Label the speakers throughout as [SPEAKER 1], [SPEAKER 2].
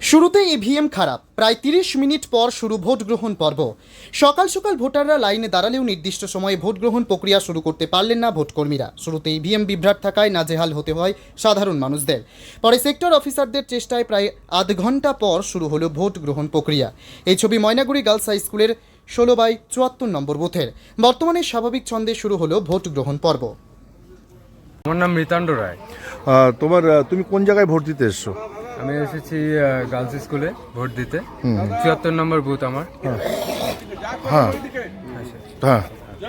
[SPEAKER 1] শুরুতে ইভিএম খারাপ, প্রায় ৩০ মিনিট পর শুরু ভোট গ্রহণ পর্ব। সকাল সকাল ভোটাররা লাইনে দাঁড়ালেও নির্দিষ্ট সময়ে ভোট গ্রহণ প্রক্রিয়া শুরু করতে পারলেন না ভোটকর্মীরা। শুরুতে ইভিএম বিভ্রাট থাকায় নাজেহাল হতে হয় সাধারণ মানুষদের। পরে সেক্টর অফিসারদের চেষ্টায় প্রায় আধ ঘন্টা পর শুরু হলো ভোট গ্রহণ প্রক্রিয়া। এই ছবি ময়নাগুড়ি গার্লস হাই স্কুলের 16/74 নম্বর বুথের। বর্তমানে স্বাভাবিক ছন্দে শুরু হলো ভোট গ্রহণ পর্ব।
[SPEAKER 2] আমার নাম মৃতাণ্ড রায়।
[SPEAKER 3] তুমি কোন জায়গায় ভোট দিতে এসছো?
[SPEAKER 2] আমি এসেছি গার্লস স্কুলে ভোট দিতে। 74 নম্বর বুথ আমার।
[SPEAKER 3] হ্যাঁ হ্যাঁ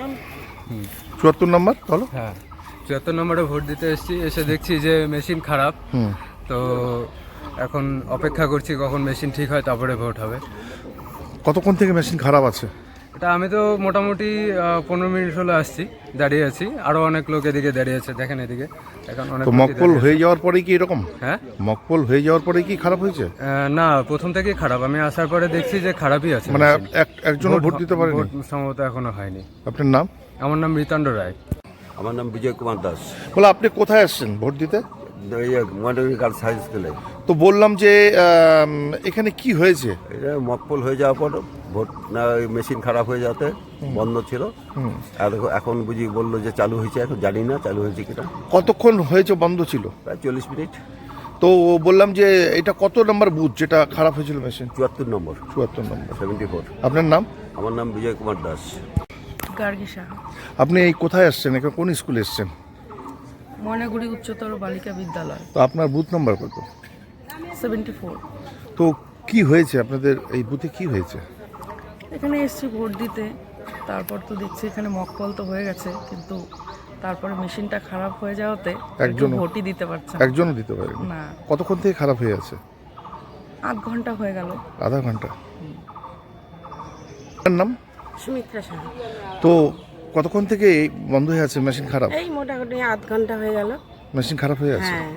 [SPEAKER 3] 74 নম্বর বলো।
[SPEAKER 2] হ্যাঁ 74 নম্বরে ভোট দিতে এসেছি। এসে দেখছি যে মেশিন খারাপ। তো এখন অপেক্ষা করছি কখন মেশিন ঠিক হয়, তারপরে ভোট হবে।
[SPEAKER 3] কতক্ষণ থেকে মেশিন খারাপ আছে?
[SPEAKER 2] এটা আমি তো মোটামুটি 15 মিনিট হলো আসছি, দাঁড়িয়ে আছি। আরও অনেক লোক এদিকে দাঁড়িয়ে আছে, দেখেন এদিকে এখন অনেক।
[SPEAKER 3] তো মকপল হয়ে যাওয়ার পরে কি এরকম?
[SPEAKER 2] হ্যাঁ,
[SPEAKER 3] মকপল হয়ে যাওয়ার পরে কি খারাপ হয়েছে?
[SPEAKER 2] না, প্রথম থেকেই খারাপ। আমি আসার পরে দেখছি যে খারাপই আছে।
[SPEAKER 3] মানে একজনও ভোট দিতে পারেনি?
[SPEAKER 2] ভোট সম্ভবত এখনো হয়নি।
[SPEAKER 3] আপনার নাম?
[SPEAKER 2] আমার নাম মৃতাণ্ড রায়।
[SPEAKER 4] আমার নাম বিজয় কুমার দাস।
[SPEAKER 3] বলে আপনি কোথায় আসছেন ভোট দিতে?
[SPEAKER 4] ময়নাগুড়ি গার্লস হাই স্কুলে।
[SPEAKER 3] তো বললাম যে এখানে কি হয়েছে?
[SPEAKER 4] এটা মকপল হয়ে যাওয়ার পর ভোট না, মেশিন খারাপ হয়ে যাতে বন্ধ ছিল। আর এখন বুঝি বললো যে চালু হয়েছে, এখন জানি না চালু হয়েছে কিনা।
[SPEAKER 3] কতক্ষণ হয়েছে বন্ধ ছিল?
[SPEAKER 4] প্রায় 40 মিনিট।
[SPEAKER 3] তো বললাম যে এটা কত নম্বর বুথ যেটা খারাপ হয়েছিল মেশিন?
[SPEAKER 4] 74 নম্বর।
[SPEAKER 3] 74 নম্বর।
[SPEAKER 4] 74।
[SPEAKER 3] আপনার নাম?
[SPEAKER 4] আমার নাম বিজয় কুমার দাস।
[SPEAKER 5] গার্গিসা।
[SPEAKER 3] আপনি এই কোথায় আসছেন? এখানে কোন স্কুলে এসছেন?
[SPEAKER 5] ময়নাগুড়ি উচ্চতর বালিকা বিদ্যালয়।
[SPEAKER 3] তো আপনার বুথ নাম্বার কত?
[SPEAKER 5] 74।
[SPEAKER 3] তো কি হয়েছে আপনাদের এই বুথে, কি হয়েছে?
[SPEAKER 5] এখানে এসছি ভোট দিতে, তারপর তো দেখছি এখানে মকপল তো হয়ে গেছে, কিন্তু তারপরে মেশিনটা খারাপ হয়ে যাওয়াতে একজন ভোটই দিতে পারছে না।
[SPEAKER 3] একজনও দিতে পারেনি?
[SPEAKER 5] না।
[SPEAKER 3] কতক্ষণ থেকে খারাপ হয়ে আছে?
[SPEAKER 5] আধ ঘন্টা হয়ে গেল।
[SPEAKER 3] আধা ঘন্টা। আপনার নাম?
[SPEAKER 6] সুমিত্রা সাহা।
[SPEAKER 3] তো কতক্ষণ থেকে এই বন্ধ হয়ে আছে মেশিন খারাপ?
[SPEAKER 6] এই মোটামুটি আধ ঘন্টা হয়ে গেল।
[SPEAKER 3] মেশিন খারাপ হয়ে আছে?
[SPEAKER 6] হ্যাঁ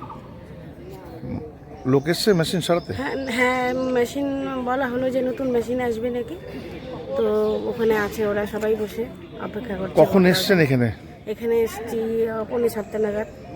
[SPEAKER 3] লোক এসছে মেশিন সারাতে?
[SPEAKER 6] হ্যাঁ হ্যাঁ, মেশিন বলা হলো যে নতুন মেশিন আসবে নাকি, তো ওখানে আছে, ওরা সবাই বসে অপেক্ষা করছে।
[SPEAKER 3] কখন এসছেন এখানে?
[SPEAKER 6] এখানে এসছি 6:45 নাগাদ।